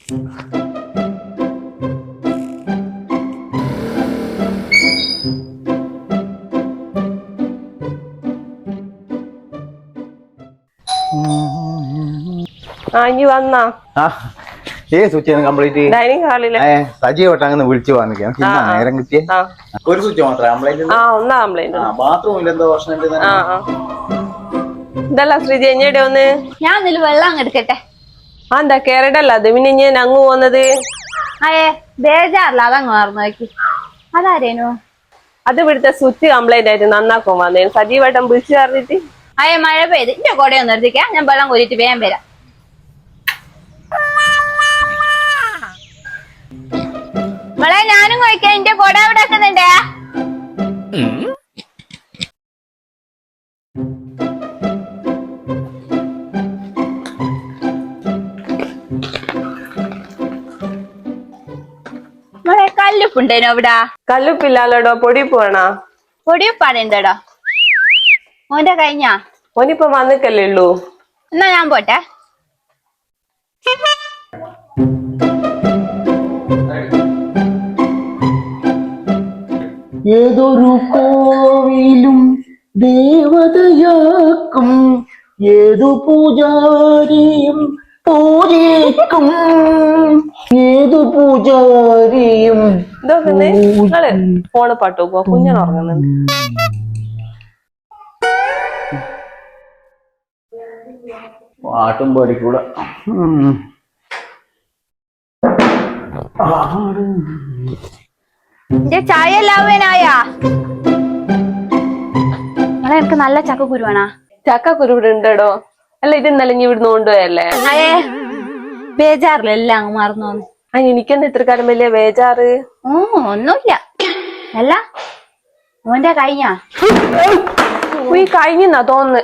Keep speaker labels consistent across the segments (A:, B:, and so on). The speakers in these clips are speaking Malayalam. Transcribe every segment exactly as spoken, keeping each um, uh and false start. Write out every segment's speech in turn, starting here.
A: ആ ഇനി വന്നാ
B: ഏ സ്വിച്ച് കംപ്ലീറ്റ്
A: ഡൈനിങ് ഹാളിലെ
B: സജീവട്ടെ അങ്ങനെ വിളിച്ചു വന്നിരിക്കാം നേരം കിട്ടിയ ഒരു സ്വിച്ച് മാത്രമേ
A: ആ ഒന്നാ കംപ്ലൈന്റ്
B: ബാത്റൂമിൽ എന്തോ പ്രശ്നം.
A: ആ ആ ഇതല്ല ശ്രീജി എഞ്ഞടെ ഒന്ന്
C: ഞാൻ ഇതില് വെള്ളം അങ്ങ് എടുക്കട്ടെ.
A: ആ എന്താ കേരടല്ല അത് പിന്നെ ഞാൻ അങ്ങ് പോന്നത്
C: അയേ ബേജാറില്ല അതങ്ങ് മറന്നു നോക്കി. അതാരേനു?
A: അത് ഇവിടുത്തെ സ്വിച്ച് കംപ്ലൈന്റ് ആയിട്ട് നന്നാക്കാൻ വന്നേ സജീവട്ടം വിളിച്ചു പറഞ്ഞിട്ട്.
C: അയ്യ മഴ പെയ്ത് എന്റെ കൊടയൊന്നും നിർത്തിക്കാം, ഞാൻ വെള്ളം കോരിട്ട് വേഗം വരാം. മോളെ ഞാനും കഴിക്കാം, എന്റെ കൊട അവിടെ വെക്കുന്നുണ്ടേ. മോളെ കല്ലുപ്പുണ്ടേനോ അവിടെ?
A: കല്ലുപ്പില്ലാലോടോ പൊടിപ്പ് വേണോ?
C: പൊടിയുപ്പാടുണ്ടോ? മോന്റെ കഴിഞ്ഞാ?
A: ഓനിപ്പൊ വന്നിക്കല്ലേ ഉള്ളൂ.
C: എന്നാ ഞാൻ പോട്ടെ.
B: ഏതൊരു കോവിലും ദേവതയാക്കും, ഏതു പൂജാരിയും പൂജിക്കും, ഏതു പൂജാരിയും.
A: ഇതൊക്കെ നിങ്ങള് ഫോണ് പാട്ട് നോക്കുവോ? കുഞ്ഞൻ ഉറങ്ങുന്നുണ്ട്.
B: പാട്ടും പാടിക്കൂടെ.
C: ചായ എല്ലാവനായാ? നിങ്ങളെ എനിക്ക് നല്ല ചക്കക്കുരുവാണാ?
A: ചക്കക്കുരു ഇവിടെ ഉണ്ടോ? അല്ല ഇത് ഇന്നലെ ഇനി ഇവിടുന്ന് കൊണ്ടുപോയല്ലേ?
C: അയേ ബേജാറില്ല, എല്ലാം അങ്ങ് മറന്നു.
A: ആ എനിക്കെന്താ ഇത്ര കാലം വലിയ ബേജാറ്?
C: ഓ ഒന്നുമില്ല. അല്ല മോന്റെ കഴിഞ്ഞാ?
A: ഈ കഴിഞ്ഞാ തോന്നുന്നു.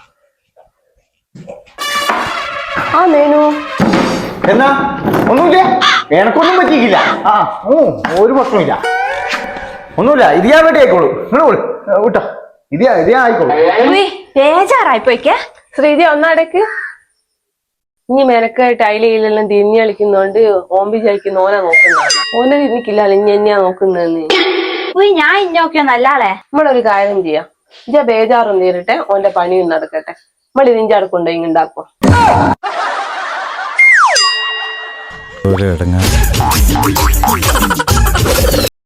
A: ആ നേനു
B: എന്നാ ഒന്നുമില്ല, എനക്കൊന്നും പറ്റിയില്ല. ആ ഓ ഒരു പ്രശ്നമില്ല, ഒന്നുമില്ല. ഇത് ഞാൻ വേണ്ടി ആയിക്കോളൂ. നിങ്ങൾ വിട്ടോ, ഇത് ഇത് ഞാൻ ആയിക്കോളൂ.
C: ബേജാറായിപ്പോയിക്കേ.
A: ശ്രീജി ഒന്നടക്ക്. ഇനി മെനക്കായിട്ട് അയിലെല്ലാം തിരിഞ്ഞു കളിക്കുന്നോണ്ട് ഓമ്പി ചലിക്കുന്ന ഓനെ നോക്കുന്നതാണ്. ഓനെ തിരിഞ്ഞിക്കില്ല, ഇനി എന്നെയാ നോക്കുന്നതെന്ന്.
C: ഞാൻ ഇന്നോക്കിയോ നല്ലാളെ.
A: നമ്മളൊരു കാര്യം ചെയ്യാം, ഇജ ബേജാറും തീരട്ടെ, ഓന്റെ പണിയും നടക്കട്ടെ. നമ്മൾ ഇതിന്റെ അടുക്കുണ്ടോ ഇങ്ങുണ്ടാക്കുക.
D: ഒരു ഇടങ്ങ